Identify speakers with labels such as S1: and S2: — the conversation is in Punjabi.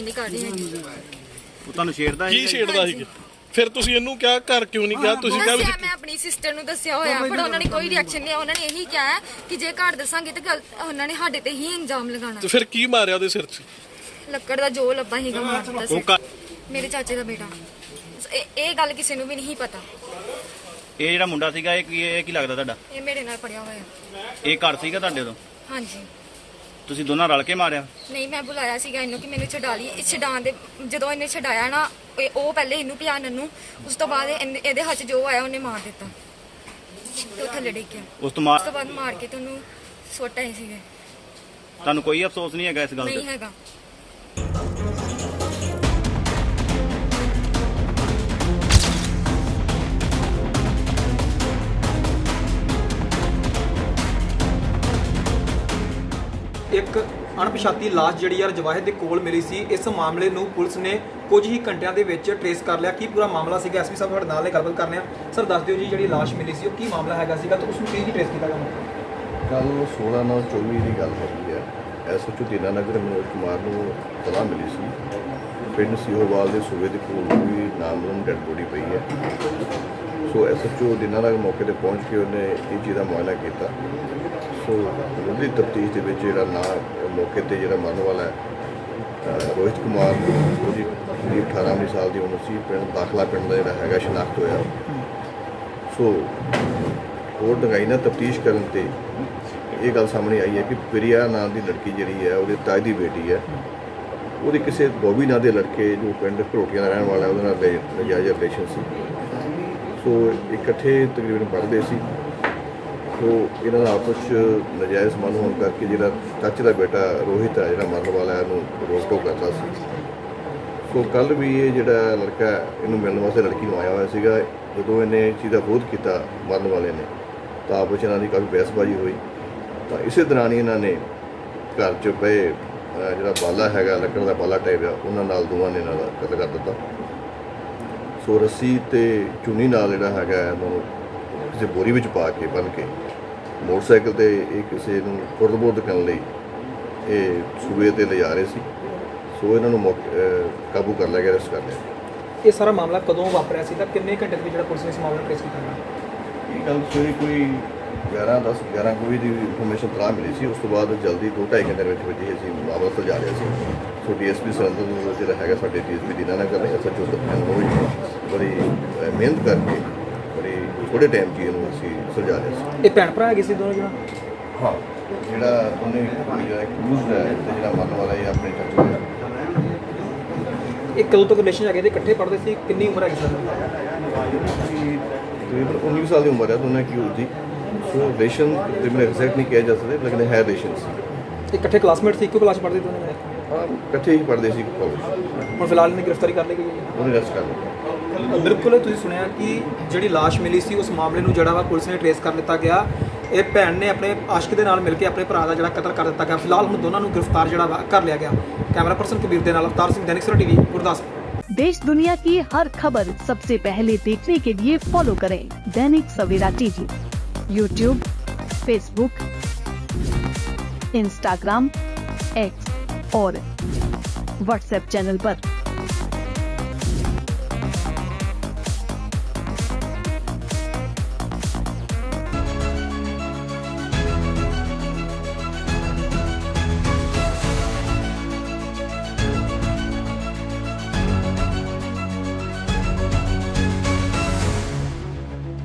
S1: ਨਹੀਂ ਕਰ ਰਹੀ ਹੈਗੀ।
S2: ਉਹ ਤੁਹਾਨੂੰ ਛੇੜਦਾ
S3: ਕੀ ਛੇੜਦਾ ਸੀ? ਫਿਰ ਤੁਸੀਂ ਇਹਨੂੰ ਕਿਹਾ ਘਰ ਕਿਉਂ ਨਹੀਂ ਕਿਹਾ? ਤੁਸੀਂ ਕਿਹਾ ਵੀ
S1: ਦੱਸਿਆ, ਮੈਂ ਆਪਣੀ ਸਿਸਟਰ ਨੂੰ ਦੱਸਿਆ ਹੋਇਆ, ਪਰ ਉਹਨਾਂ ਨੇ ਕੋਈ ਰਿਐਕਸ਼ਨ ਨਹੀਂ। ਉਹਨਾਂ ਨੇ ਇਹੀ ਕਿਹਾ ਹੈ ਕਿ ਜੇ ਘਰ ਦੱਸਾਂਗੇ ਤਾਂ ਉਹਨਾਂ ਨੇ ਸਾਡੇ ਤੇ ਹੀ ਇਲਜ਼ਾਮ ਲਗਾਉਣਾ।
S3: ਤੇ ਫਿਰ ਕੀ ਮਾਰਿਆ ਉਹਦੇ ਸਿਰ 'ਚ?
S1: ਲੱਕੜ ਦਾ ਜੋ ਲੱਭਾ ਹੀਗਾ ਮਾਰ ਦਿੱਤਾ ਸੀ। ਮੇਰੇ ਚਾਚੇ ਦਾ ਬੇਟਾ। ਇਹ ਗੱਲ ਕਿਸੇ ਨੂੰ ਵੀ ਨਹੀਂ ਪਤਾ।
S2: ਇਹ ਜਿਹੜਾ ਮੁੰਡਾ ਸੀਗਾ ਇਹ ਕੀ ਲੱਗਦਾ ਤੁਹਾਡਾ?
S1: ਇਹ ਮੇਰੇ ਨਾਲ ਪੜਿਆ ਹੋਇਆ।
S2: ਇਹ ਘਰ ਸੀਗਾ ਤੁਹਾਡੇ ਤੋਂ?
S1: ਹਾਂਜੀ।
S2: ਤੁਸੀਂ ਦੋਨਾਂ ਰਲ ਕੇ ਮਾਰਿਆ?
S1: ਨਹੀਂ, ਮੈਂ ਬੁਲਾਇਆ ਸੀਗਾ ਇਹਨੂੰ ਕਿ ਮੈਨੂੰ ਛਡਾ ਲਈ। ਇਹ ਛਡਾਉਣ ਦੇ ਜਦੋਂ ਇਹਨੇ ਛਡਾਇਆ ਨਾ, ਉਹ ਪਹਿਲੇ ਇਹਨੂੰ ਪਿਆ ਨੰਨੂ, ਉਸ ਤੋਂ ਬਾਅਦ ਇਹਦੇ ਹੱਥ ਜੋ ਆਇਆ ਉਹਨੇ ਮਾਰ ਦਿੱਤਾ ਤੇ ਉਹ ਥੱਲੇ ਡਿੱਗ ਗਿਆ।
S2: ਉਸ ਤੋਂ
S1: ਬਾਅਦ ਮਾਰ ਕੇ ਤੁਹਾਨੂੰ ਸੁੱਟ ਆਏ ਸੀਗੇ।
S2: ਤੁਹਾਨੂੰ ਕੋਈ ਅਫਸੋਸ ਨਹੀਂ ਹੈਗਾ ਇਸ ਗੱਲ
S1: ਨਹੀਂ
S2: ਤੇ?
S1: ਹੈਗਾ।
S4: ਇੱਕ ਅਣਪਛਾਤੀ ਲਾਸ਼ ਜਿਹੜੀ ਯਾਰ ਜਵਾਹਿਦ ਦੇ ਕੋਲ ਮਿਲੀ ਸੀ। ਇਸ ਮਾਮਲੇ ਨੂੰ ਪੁਲਿਸ ਨੇ ਕੁਝ ਹੀ ਘੰਟਿਆਂ ਦੇ ਵਿੱਚ ਟ੍ਰੇਸ ਕਰ ਲਿਆ। ਕੀ ਪੂਰਾ ਮਾਮਲਾ ਸੀਗਾ, ਐਸਪੀ ਸਾਹਿਬ ਤੁਹਾਡੇ ਨਾਲ ਇਹ ਗੱਲਬਾਤ ਕਰਨੇ ਆ। ਸਰ ਦੱਸ ਦਿਓ ਜੀ, ਜਿਹੜੀ ਲਾਸ਼ ਮਿਲੀ ਸੀ ਉਹ ਕੀ ਮਾਮਲਾ ਹੈਗਾ ਸੀਗਾ ਤੇ ਉਸ ਨੂੰ ਕੀ ਟ੍ਰੇਸ ਕੀਤਾ ਗਿਆ?
S5: ਕੱਲ 16/9/24 ਦੀ ਗੱਲ ਹੈਗੀ ਹੈ। ਐਸਓਚਓ ਦੀਨਾਨਗਰ ਮਨੋਜ ਕੁਮਾਰ ਨੂੰ ਤਲਾਹ ਮਿਲੀ ਸੀ ਪਿੰਡ ਸੀਹੋਵਾਲ ਦੇ ਸੂਬੇ ਦੇ ਕੋਲ ਵੀ ਨਾਮਲੂਮ ਡੈਡ ਬੋਡੀ ਪਈ ਹੈ। ਸੋ ਐਸਓਚਓ ਦੀਨਾਨਗਰ ਮੌਕੇ ਤੇ ਪਹੁੰਚ ਕੇ ਉਹਨੇ ਇਹ ਚੀਜ਼ ਦਾ ਮੁਆਇਨਾ ਕੀਤਾ। ਸੋ ਉਹਦੀ ਤਫਤੀਸ਼ ਦੇ ਵਿੱਚ ਜਿਹੜਾ ਮੌਕੇ ਤੇ ਜਿਹੜਾ ਮਰਨ ਵਾਲਾ ਹੈ ਰੋਹਿਤ ਕੁਮਾਰ, ਉਹਦੀ 18 ਸਾਲ ਦੀ ਉਮਰ ਸੀ। ਪਿੰਡ ਦਾਖਲਾ ਪਿੰਡ ਦਾ ਜਿਹੜਾ ਹੈਗਾ ਸ਼ਨਾਖਤ ਹੋਇਆ। ਸੋ ਹੋਰ ਡੂੰਘਾਈ ਨਾਲ ਤਫਤੀਸ਼ ਕਰਨ ਤੇ ਇਹ ਗੱਲ ਸਾਹਮਣੇ ਆਈ ਹੈ ਕਿ ਪ੍ਰਿਆ ਨਾਂ ਦੀ ਲੜਕੀ ਜਿਹੜੀ ਹੈ ਉਹਦੇ ਤਾਏ ਦੀ ਬੇਟੀ ਹੈ। ਉਹਦੇ ਕਿਸੇ ਬੋਬੀ ਨਾਂ ਦੇ ਲੜਕੇ ਜੋ ਪਿੰਡ ਘਰੋਟੀਆਂ ਦਾ ਰਹਿਣ ਵਾਲਾ ਉਹਦੇ ਨਾਲ ਨਜਾਇਜ਼ ਰਿਲੇਸ਼ਨ ਸੀ। ਸੋ ਇਕੱਠੇ ਤਕਰੀਬਨ ਪੜ੍ਹਦੇ ਸੀ। ਸੋ ਇਹਨਾਂ ਦਾ ਆਪਸ 'ਚ ਨਜਾਇਜ਼ ਸੰਬੰਧ ਹੋਣ ਕਰਕੇ ਜਿਹੜਾ ਚਾਚੇ ਦਾ ਬੇਟਾ ਰੋਹਿਤ ਹੈ ਜਿਹੜਾ ਮਰਨ ਵਾਲਾ ਹੈ ਉਹਨੂੰ ਰੋਕ ਟੋਕ ਕਰਦਾ ਸੀ। ਸੋ ਕੱਲ੍ਹ ਵੀ ਇਹ ਜਿਹੜਾ ਲੜਕਾ ਇਹਨੂੰ ਮਿਲਣ ਵਾਸਤੇ ਲੜਕੀ ਨੂੰ ਆਇਆ ਹੋਇਆ ਸੀਗਾ। ਜਦੋਂ ਇਹਨੇ ਇਹ ਚੀਜ਼ ਦਾ ਵਿਰੋਧ ਕੀਤਾ ਮਰਨ ਵਾਲੇ ਨੇ ਤਾਂ ਆਪਸ 'ਚ ਇਹਨਾਂ ਦੀ ਕਾਫੀ ਬਹਿਸਬਾਜ਼ੀ ਹੋਈ। ਤਾਂ ਇਸੇ ਦੌਰਾਨ ਹੀ ਇਹਨਾਂ ਨੇ ਘਰ 'ਚ ਪਏ ਜਿਹੜਾ ਬਾਲਾ ਹੈਗਾ ਲੱਕੜ ਦਾ ਬਾਲਾ ਟਾਈਪ ਆ ਉਹਨਾਂ ਨਾਲ ਦੋਵਾਂ ਨੇ ਇਹਨਾਂ ਦਾ ਕਤਲ ਕਰ ਦਿੱਤਾ। ਸੋ ਰੱਸੀ ਤੇ ਚੁੰਨੀ ਨਾਲ ਜਿਹੜਾ ਹੈਗਾ ਇਹਨਾਂ ਨੂੰ ਕਿਸੇ ਬੋਰੀ ਵਿੱਚ ਪਾ ਕੇ ਬੰਨ੍ਹ ਕੇ ਮੋਟਰਸਾਈਕਲ ਤੇ ਇਹ ਕਿਸੇ ਨੂੰ ਖੁਰਦ-ਬੁਰਦ ਕਰਨ ਲਈ ਇਹ ਸੂਬੇ ਤੇ ਲਿਜਾ ਰਹੇ ਸੀ। ਸੋ ਇਹਨਾਂ ਨੂੰ ਕਾਬੂ ਕਰ ਲਿਆ ਗਿਆ, ਅਰੈਸਟ ਕਰ ਲਿਆ।
S4: ਇਹ ਸਾਰਾ ਮਾਮਲਾ ਕਦੋਂ ਵਾਪਰਿਆ ਸੀ ਤਾਂ ਕਿੰਨੇ ਘੰਟੇ ਦੇ ਵਿੱਚ ਜਿਹੜਾ ਪੁਲਿਸ ਨੇ ਇਸ ਮਾਮਲੇ ਨੂੰ ਟ੍ਰੇਸ ਕੀਤਾ?
S5: ਇਹ ਗੱਲ ਸਵੇਰੇ ਕੋਈ 11 ਕੋਈ ਦੀ ਇਨਫੋਰਮੇਸ਼ਨ ਤਲਾਹ ਮਿਲੀ ਸੀ। ਉਸ ਤੋਂ ਬਾਅਦ ਜਲਦੀ 2-2.5 ਘੰਟੇ ਦੇ ਵਿੱਚ ਹੀ ਅਸੀਂ ਮਾਮਲਾ ਸੁਲਝਾ ਲਿਆ ਸੀ। ਸੋ ਡੀਐਸਪੀ ਸਰੰਦਰ ਨੂੰ ਜਿਹੜਾ ਹੈਗਾ ਸਾਡੇ ਡੀਐਸਪੀ ਦੀਨਾਨਗਰ ਨੇ ਐਸਐਚਓ ਸਤਿੰਦਰ ਬੜੀ ਮਿਹਨਤ ਕਰਕੇ ਬੜੀ ਥੋੜ੍ਹੇ ਟਾਈਮ 'ਚ ਇਹਨੂੰ ਅਸੀਂ ਸੁਲਝਾ ਲਿਆ ਸੀ।
S4: ਇਹ ਭੈਣ ਭਰਾ ਹੈਗੇ ਸੀ ਦੋਨੋਂ ਜਣਾ?
S5: ਹਾਂ, ਜਿਹੜਾ ਉਹਨੇ ਜਿਹੜਾ ਅਕਿਊਜ਼ਡ ਹੈ ਤੇ ਜਿਹੜਾ ਮਰਨ ਵਾਲਾ ਇਹ ਆਪਣੇ ਚਾਚੂ ਹੈ।
S4: ਇਹ ਕਦੋਂ ਤੱਕ ਰਿਲੇਸ਼ਨ ਹੈਗੇ ਤੇ ਇਕੱਠੇ ਪੜ੍ਹਦੇ ਸੀ? ਕਿੰਨੀ ਉਮਰ ਹੈਗੀ ਸਰ?
S5: ਤਕਰੀਬਨ 19 ਸਾਲ ਦੀ ਉਮਰ ਹੈ ਦੋਨਾਂ ਕੀ ਹੋਈ। ਸੋ ਰਿਲੇਸ਼ਨ ਤਕਰੀਬਨ ਐਗਜ਼ੈਕਟ ਨਹੀਂ ਕਿਹਾ ਜਾ ਸਕਦਾ, ਲੇਕਿਨ ਹੈ ਰਿਲੇਸ਼ਨ ਸੀ।
S4: ਇਕੱਠੇ ਕਲਾਸਮੇਟ ਸੀ, ਇੱਕੋ ਕਲਾਸ ਪੜ੍ਹਦੇ ਦੋਨੋਂ?
S5: ਹਾਂ, ਇਕੱਠੇ ਹੀ ਪੜ੍ਹਦੇ ਸੀ ਕਾਲਜ।
S4: ਹੁਣ ਫਿਲਹਾਲ ਇਹਨੇ ਗ੍ਰਿਫਤਾਰੀ ਕਰ ਲਈ ਗਈ ਹੈ?
S5: ਉਹਨੇ ਅਰੈਸਟ ਕਰ ਲਿਆ।
S4: ਬਿਲਕੁਲ ਤੁਸੀਂ ਸੁਣਿਆ ਕਿ ਜਿਹੜੀ ਲਾਸ਼ ਮਿਲੀ ਸੀ ਉਸ ਮਾਮਲੇ ਨੂੰ ਜਿਹੜਾ ਵਾ ਪੁਲਿਸ ਨੇ ਟ੍ਰੇਸ ਕਰ ਲਿੱਤਾ ਗਿਆ। ਇਹ ਭੈਣ ਨੇ ਆਪਣੇ ਆਸ਼ਕ ਦੇ ਨਾਲ ਮਿਲ ਕੇ ਆਪਣੇ ਭਰਾ ਦਾ ਜਿਹੜਾ ਕਤਲ ਕਰ ਦਿੱਤਾ ਗਿਆ। ਫਿਲਹਾਲ ਹੁਣ ਦੋਨਾਂ ਨੂੰ ਗ੍ਰਿਫਤਾਰ ਜਿਹੜਾ ਵਾ ਕਰ ਲਿਆ ਗਿਆ। कैमरा पर्सन कबीर दे नाल अवतार सिंह, दैनिक सवेरा टीवी, गुरदासपुर।
S6: देश दुनिया की हर खबर सबसे पहले देखने के लिए फॉलो करें Dainik Savera TV, YouTube, Facebook, Instagram, X और व्हाट्सएप चैनल पर।